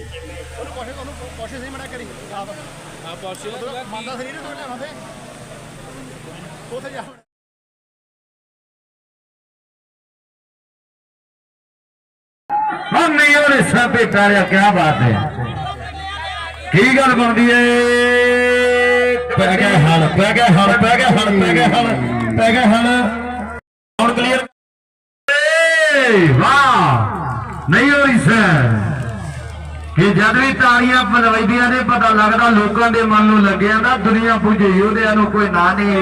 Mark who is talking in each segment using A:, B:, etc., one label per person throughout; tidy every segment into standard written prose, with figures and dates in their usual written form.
A: ਕੋਸ਼ਿਸ਼ ਨਹੀਂ ਮਣਾ ਕਰੀ ਆਪ ਪਹੁੰਚੇ ਮੰਨਦਾ ਸਰੀਰ ਤੋਂ ਲਿਆਵਾਂ ਫੇ ਉਥੇ ਜਾ
B: नहीं और हिस्सा भेटा रहा क्या बात है की गल बनती है पै गए हल पै गए हल पै गए हल पै गए हल पै गए हल और क्लियर वाह नहीं हो हिस्सा कि जद भी तालियां बजदियां ने पता लगता लोगों के मन नूं लग्या ना दुनिया पुजे योधियां नूं कोई ना नहीं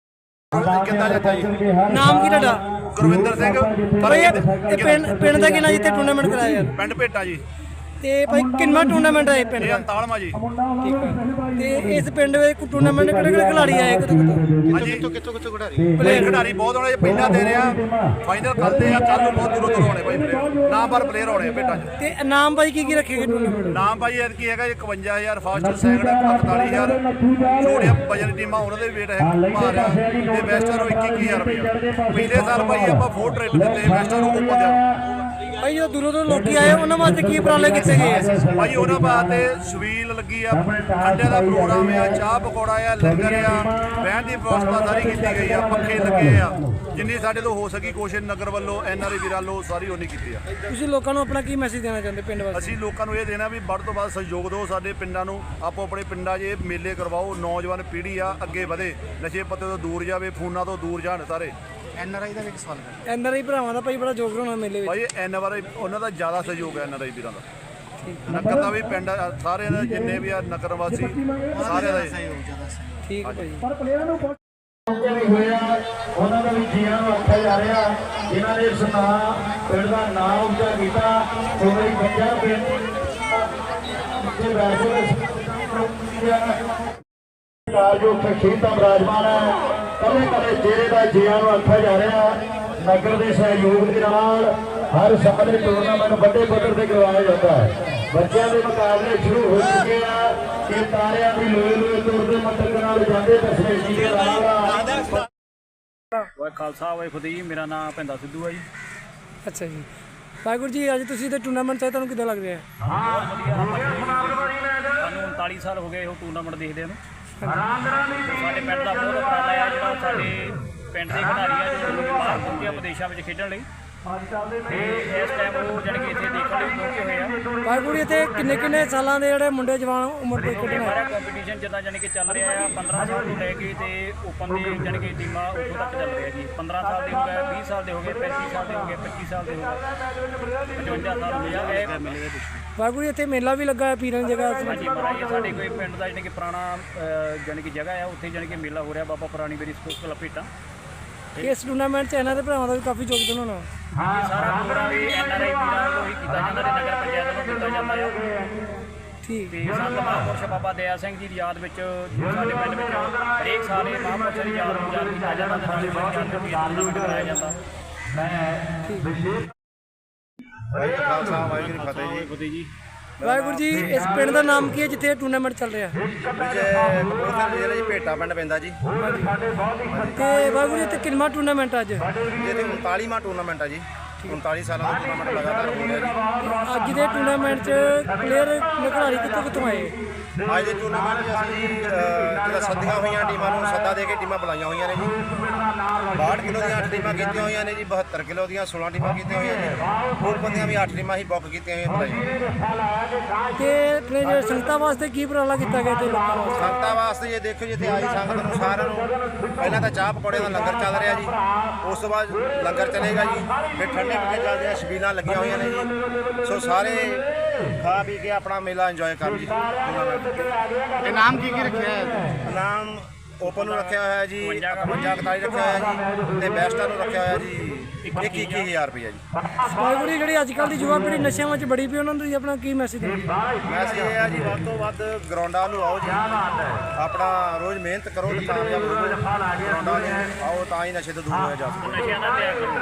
C: नाम की ਤੁਹਾਡਾ
A: ਗੁਰਵਿੰਦਰ ਸਿੰਘ
C: ਭਾਈ ਇਹ ਪਿੰਡ ਦਾ ਕਿੰਨਾ ਜਿੱਥੇ ਟੂਰਨਾਮੈਂਟ ਕਰਾਇਆ ਯਾਰ
A: ਪਿੰਡ ਭੇਟਾ ਜੀ
C: ਤੇ ਭਾਈ ਕਿੰਨਾ ਟੂਰਨਾਮੈਂਟ ਹੈ ਪਿੰਡ ਦਾ
A: 49ਵਾਂ ਜੀ
C: ਠੀਕ ਹੈ ਤੇ ਇਸ ਪਿੰਡ ਵਿੱਚ ਟੂਰਨਾਮੈਂਟ ਕਿਹੜੇ ਕਿਹੜੇ ਖਿਡਾਰੀ ਆਏ
A: ਹਾਂਜੀ ਕਿੱਥੋਂ ਖਿਡਾਰੀ ਪਲੇਅਰ ਖਿਡਾਰੀ ਬਹੁਤ ਹੋਣੇ ਪਹਿਲਾਂ ਦੇ ਰਿਹਾ ਫਾਈਨਲ ਕਰਦੇ ਆ ਕੱਲ ਨੂੰ ਬਹੁਤ ਦੂਰੋਂ ਹੋਣੇ ਭਾਈ ਪਲੇਅਰ ਨਾਮਵਰ ਪਲੇਅਰ ਹੋਣੇ ਭੇਟਾ ਚ
C: ਤੇ ਨਾਮ ਭਾਈ ਕੀ ਰੱਖੇ ਗਏ ਟੂਰਨਾਮੈਂਟ
A: ਨਾਮ ਭਾਈ ਇਹ ਕੀ ਹੈਗਾ 51000 ਫਾਸਟ ਸੈਕਿੰਡ 45000 ਛੋਟੀਆਂ ਵਜਨ ਟੀਮਾਂ ਉਹਨਾਂ ਦੇ ਵੇਟ ਹੈ ਮਾਰਿਆ ਤੇ ਵੈਸਟਰ ਨੂੰ 21000 ਰੁਪਏ ਪਿਛਲੇ ਸਾਲ ਭਾਈ ਆਪਾਂ 4 ਟ੍ਰਿਪ ਦਿੱਤੇ ਵੈਸਟਰ ਨੂੰ ਉੱਪਰ ਦੇ
C: ਭਾਈ ਜੋ ਦੂਰੋਂ ਲੋਕੀ ਆਏ ਉਹਨਾਂ ਵਾਸਤੇ ਕੀ ਉਪਰਾਲੇ ਕੀਤੇ ਗਏ ਆ
A: ਭਾਈ ਉਹਨਾਂ ਵਾਸਤੇ ਛਬੀਲ ਲੱਗੀ ਆ ਠੰਡੇ ਦਾ ਪ੍ਰੋਗਰਾਮ ਆ ਚਾਹ ਪਕੌੜਾ ਆ ਲੰਗਰ ਆ ਬਹਿਣ ਦੀ ਵਿਵਸਥਾ ਸਾਰੀ ਕੀਤੀ ਗਈ ਆ ਪੱਖੇ ਲੱਗੇ ਆ ਜਿੰਨੀ ਸਾਡੇ ਤੋਂ ਹੋ ਸਕੀ ਕੋਸ਼ਿਸ਼ ਨਗਰ ਵੱਲੋਂ ਐਨਆਰਆਈ ਵੀਰਾਂ ਵੱਲੋਂ ਸਾਰੀ ਉਹਨੀ ਕੀਤੀ ਆ
C: ਤੁਸੀਂ ਲੋਕਾਂ ਨੂੰ ਆਪਣਾ ਕੀ ਮੈਸੇਜ ਦੇਣਾ ਚਾਹੁੰਦੇ ਪਿੰਡ ਵਾਸਤੇ
A: ਅਸੀਂ ਲੋਕਾਂ ਨੂੰ ਇਹ ਦੇਣਾ ਵੀ ਵੱਧ ਤੋਂ ਵੱਧ ਸਹਿਯੋਗ ਦਿਓ ਸਾਡੇ ਪਿੰਡਾਂ ਨੂੰ ਆਪੋ ਆਪਣੇ ਪਿੰਡਾਂ 'ਚ ਇਹ ਮੇਲੇ ਕਰਵਾਓ ਨੌਜਵਾਨ ਪੀੜ੍ਹੀ ਆ ਅੱਗੇ ਵਧੇ ਨਸ਼ੇ ਪੱਤੇ ਤੋਂ ਦੂਰ ਜਾਵੇ ਫੋਨਾਂ ਤੋਂ ਦੂਰ ਜਾਣ ਸਾਰੇ ਐਨਆਰਆਈ ਦਾ ਵੀ ਇੱਕ ਸਵਾਲ ਕਰ
C: ਐਨਆਰਆਈ ਭਰਾਵਾਂ ਦਾ ਭਾਈ ਬੜਾ ਯੋਗਦਾਨ ਹੋਣਾ ਮੇਲੇ ਵਿੱਚ
A: ਭਾਈ ਐਨਆਰਆਈ ਉਹਨਾਂ ਦਾ ਜ਼ਿਆਦਾ ਸਹਿਯੋਗ ਹੈ ਐਨਆਰਆਈ ਵੀਰਾਂ ਦਾ ਨਗਰ ਦਾ ਵੀ ਪਿੰਡ ਸਾਰਿਆਂ ਦਾ ਜਿੰਨੇ ਵੀ ਆ ਨਗਰ ਵਾਸੀ ਸਾਰਿਆਂ ਦਾ
C: ਠੀਕ ਹੈ ਭਾਈ
B: ਪਰ ਪਲੇਅਰਾਂ ਨੂੰ ਹੋਇਆ ਉਹਨਾਂ ਦਾ ਵੀ ਜੀਆਂ ਨੂੰ ਆਖਿਆ ਜਾ ਰਿਹਾ ਜਿਨ੍ਹਾਂ ਨੇ ਇਸ ਪਿੰਡ ਦਾ ਨਾਮ ਉੱਚਾ ਕੀਤਾ ਕੋਈ ਬੱਚਾ ਪਿੰਡ ਦੇ ਵੈਸੇ ਜੋ ਖੇਤਾਂ ਬਰਾਜਮਾਨ ਹੈ ਕਦੇ ਕਦੇ ਚਿਹਰੇ ਦਾ ਜੀਆਂ ਨੂੰ ਆਖਿਆ ਜਾ ਰਿਹਾ ਨਗਰ ਦੇ ਸਹਿਯੋਗ ਦੇ ਨਾਲ ਹਰ ਸਾਲ ਦੇ ਟੂਰਨਾਮੈਂਟ ਵੱਡੇ ਪੱਧਰ ਤੇ ਕਰਵਾਇਆ ਜਾਂਦਾ ਹੈ ਬੱਚਿਆਂ ਦੇ ਮੁਕਾਬਲੇ ਸ਼ੁਰੂ ਹੋ ਚੁੱਕੇ ਆ ਕਿ ਤਾਰਿਆਂ ਦੀ ਲੋਏ ਲੋਏ ਤੁਰਦੇ ਮੰਤਰ ਨਾਲ ਜਾਂਦੇ ਦਸਵੇਂ ਜੀ ਦੇ ਨਾਲ
D: ਵਾਹਿ ਖਾਲਸਾ ਵਾਹਿ ਫਤਿਹ ਜੀ ਮੇਰਾ ਨਾਮ ਭਿੰਦਾ ਸਿੱਧੂ ਹੈ ਜੀ
C: ਅੱਛਾ ਜੀ ਵਾਹਿਗੁਰੂ ਜੀ ਅੱਜ ਤੁਸੀਂ ਤੇ ਟੂਰਨਾਮੈਂਟ ਚਾਹੇ ਤੁਹਾਨੂੰ ਕਿੱਦਾਂ ਲੱਗ ਰਿਹਾ
D: ਸਾਨੂੰ 39 ਸਾਲ ਹੋ ਗਏ ਉਹ ਟੂਰਨਾਮੈਂਟ ਦੇਖਦੇ ਨੂੰ ਸਾਡੇ ਪਿੰਡ ਦਾ ਬਹੁਤ ਉਪਰਾਲਾ ਆ ਜਿਹੜਾ ਸਾਡੇ ਪਿੰਡ ਦੇ ਖਿਡਾਰੀ ਆ ਜਿਹੜੇ ਬਾਹਰ ਪਹੁੰਚੇ ਵਿਦੇਸ਼ਾਂ ਵਿੱਚ ਖੇਡਣ ਲਈ ਤੇ ਇਸ ਟਾਈਮ ਉਹ ਜਾਣੀ ਕਿ ਇੱਥੇ ਦੇਖਣ ਲਈ ਪਹੁੰਚੇ ਹੋਏ ਆ
C: ਵਾਹਿਗੁਰੂ ਜੀ ਇੱਥੇ ਕਿੰਨੇ ਸਾਲਾਂ ਦੇ ਜਿਹੜੇ ਮੁੰਡੇ ਜਵਾਨ ਉਮਰ ਦੇ ਖੇਡਣ
D: ਸਾਰਾ ਕੰਪੀਟੀਸ਼ਨ ਜਿੱਦਾਂ ਜਾਣੀ ਕਿ ਚੱਲ ਰਿਹਾ ਆ 15 ਸਾਲ ਤੋਂ ਲੈ ਕੇ ਤੇ ਓਪਨ ਦੇ ਜਾਣੀ ਕਿ ਟੀਮਾਂ ਉੱਥੋਂ ਤੱਕ ਚੱਲ ਰਹੀਆਂ ਜੀ 15 ਸਾਲ ਦੇ ਹੋ ਗਏ 20 ਸਾਲ ਦੇ ਹੋ ਗਏ 35 ਸਾਲ ਦੇ ਹੋ ਗਏ 25 ਸਾਲ ਦੇ ਹੋ ਗਏ 55 ਸਾਲ ਹੋ ਗਏ
C: ਵਾਹਿਗੁਰੂ ਇੱਥੇ ਮੇਲਾ ਵੀ ਲੱਗਾ ਹੈ ਪੀਰਾਂ ਦੀ ਜਗ੍ਹਾ
D: ਹਾਂਜੀ ਮਹਾਰਾਜ ਸਾਡੇ ਕੋਈ ਪਿੰਡ ਦਾ ਜਾਣੀ ਕਿ ਪੁਰਾਣਾ ਜਾਣੀ ਕਿ ਜਗ੍ਹਾ ਆ ਉੱਥੇ ਜਾਣੀ ਕਿ ਮੇਲਾ ਹੋ ਰਿਹਾ ਬਾਬਾ ਪੁਰਾਣੀ ਬੇਰੀ ਸਪੋਰਟਸ ਕਲੱਬ ਭੇਟਾ
C: ਇਸ ਟੂਰਨਾਮੈਂਟ 'ਚ ਇਹਨਾਂ ਦੇ ਭਰਾਵਾਂ ਦਾ ਵੀ ਕਾਫੀ ਯੋਗਦਾਨ ਹੋਣਾ
D: ਸਾਰਾ ਪ੍ਰੋਗਰਾਮ ਵੀ ਐਨਆਰਆਈ ਵੀਰਾਂ ਵੱਲੋਂ ਹੀ ਕੀਤਾ ਜਾਂਦਾ ਤੇ ਨਗਰ ਪੰਚਾਇਤ ਵੱਲੋਂ ਕੀਤਾ ਜਾਂਦਾ ਹੈ
C: ਠੀਕ
D: ਤੇ ਸੰਤ ਮਹਾਂਪੁਰਸ਼ ਬਾਬਾ ਦਇਆ ਸਿੰਘ ਜੀ ਦੀ ਯਾਦ ਵਿੱਚ ਸਾਡੇ ਪਿੰਡ ਵਿੱਚ ਹਰੇਕ ਸਾਲ ਇਹ ਮਹਾਂਪੁਰਸ਼ ਦੀ ਯਾਦ ਨੂੰ ਯਾਦ ਕੀਤਾ ਜਾਂਦਾ ਤੇ ਨਾਲੇ ਟੂਰਨਾਮੈਂਟ ਕਰਾਇਆ ਜਾਂਦਾ
A: ਵਾਹਿਗੁਰੂ
D: ਜੀ
C: ਵਾਹਿਗੁਰੂ ਜੀ ਇਸ ਪਿੰਡ ਦਾ ਨਾਮ ਕੀ ਹੈ ਜਿੱਥੇ ਟੂਰਨਾਮੈਂਟ ਚੱਲ ਰਿਹਾ
A: ਕਪੂਰਥਲੇ ਜੀ ਭੇਟਾ ਪਿੰਡ ਪੈਂਦਾ ਜੀ
C: ਤੇ ਵਾਹਿਗੁਰੂ ਜੀ ਇੱਥੇ ਕਿੰਨਾ ਟੂਰਨਾਮੈਂਟ ਅੱਜ
A: ਇਹ 39ਵਾਂ ਟੂਰਨਾਮੈਂਟ ਆ ਜੀ 39 ਸਾਲਾਂ ਦਾ ਟੂਰਨਾਮੈਂਟ ਲਗਾਤਾਰ ਹੋ ਰਿਹਾ ਜੀ
C: ਅੱਜ ਦੇ ਟੂਰਨਾਮੈਂਟ 'ਚ ਪਲੇਅਰ ਖਿਡਾਰੀ ਕਿੱਥੋਂ ਆਏ
A: ਅੱਜ ਦੇ ਟੂਰਨਾਮੈਂਟ 'ਚ ਅਸੀਂ ਜਿਹੜਾ ਸੱਦੀਆਂ ਹੋਈਆਂ ਟੀਮਾਂ ਨੂੰ ਸੱਦਾ ਦੇ ਕੇ ਟੀਮਾਂ ਬੁਲਾਈਆਂ ਹੋਈਆਂ ਨੇ ਜੀ 62 ਕਿਲੋ ਦੀਆਂ 8 ਟੀਮਾਂ ਕੀਤੀਆਂ ਹੋਈਆਂ ਨੇ ਜੀ 72 ਕਿਲੋ ਦੀਆਂ 16 ਟੀਮਾਂ ਕੀਤੀਆਂ ਹੋਈਆਂ ਨੇ ਓਪਨ ਦੀਆਂ ਵੀ 8 ਟੀਮਾਂ ਹੀ ਬੁੱਕ ਕੀਤੀਆਂ ਹੋਈਆਂ ਬੁਲਾਈਆਂ
C: ਤੇ ਆਪਣੇ ਸੰਗਤਾਂ ਵਾਸਤੇ ਕੀ ਉਪਰਾਲਾ ਕੀਤਾ ਗਿਆ ਤੇ ਲੋਕਾਂ ਵਾਸਤੇ
A: ਸੰਗਤਾਂ ਵਾਸਤੇ ਜੇ ਦੇਖੋ ਜੀ ਇੱਥੇ ਆਈ ਸੰਗਤ ਨੂੰ ਸਾਰਿਆਂ ਨੂੰ ਪਹਿਲਾਂ ਤਾਂ ਚਾਹ ਪਕੌੜੇ ਦਾ ਲੰਗਰ ਚੱਲ ਰਿਹਾ ਜੀ ਉਸ ਤੋਂ ਬਾਅਦ ਲੰਗਰ ਚੱਲੇਗਾ ਜੀ ਫਿਰ ਠੰਡੇ ਪੀਣੇ ਚੱਲਦੇ ਆ ਛਬੀਲਾਂ ਲੱਗੀਆਂ ਹੋਈਆਂ ਨੇ ਜੀ ਸੋ ਸਾਰੇ ਖਾ ਪੀ ਕੇ ਆਪਣਾ ਮੇਲਾ ਇੰਜੋਏ ਕਰ ਜੀ
E: ਇਹ ਨਾਮ ਕੀ ਰੱਖਿਆ ਹੈ
A: ਨਾਮ ਓਪਨ ਨੂੰ ਰੱਖਿਆ ਹੋਇਆ ਜੀ 55 ਰੱਖਿਆ ਹੋਇਆ ਜੀ ਤੇ ਬੈਸਟਾਂ ਨੂੰ ਰੱਖਿਆ ਹੋਇਆ ਜੀ 21,000 ਰੁਪਏ ਜੀ
C: ਵਾਹਿਗੁਰੂ ਜਿਹੜੀ ਅੱਜ ਕੱਲ੍ਹ ਦੀ ਯੁਵਾ ਪੀੜ੍ਹੀ ਨਸ਼ਿਆਂ ਵਿੱਚ ਬੜੀ ਪਈ ਉਹਨਾਂ ਨੂੰ ਤੁਸੀਂ ਆਪਣਾ ਕੀ ਮੈਸੇਜ ਦਿੰਦੇ
A: ਮੈਸੇਜ ਇਹ ਆ ਜੀ ਵੱਧ ਤੋਂ ਵੱਧ ਗਰਾਊਂਡਾਂ ਨੂੰ ਆਓ ਜੀ ਆਪਣਾ ਰੋਜ਼ ਮਿਹਨਤ ਕਰੋ ਤੇ ਕਾਮਯਾਬ ਹੋਵੋ ਗਰਾਊਂਡਾਂ ਨੂੰ ਆਓ ਤਾਂ ਹੀ ਨਸ਼ੇ ਤੋਂ ਦੂਰ ਹੋਇਆ ਜਾ ਸਕਦਾ
D: ਨਸ਼ਿਆਂ ਦਾ ਤਿਆਗ ਕਰੋ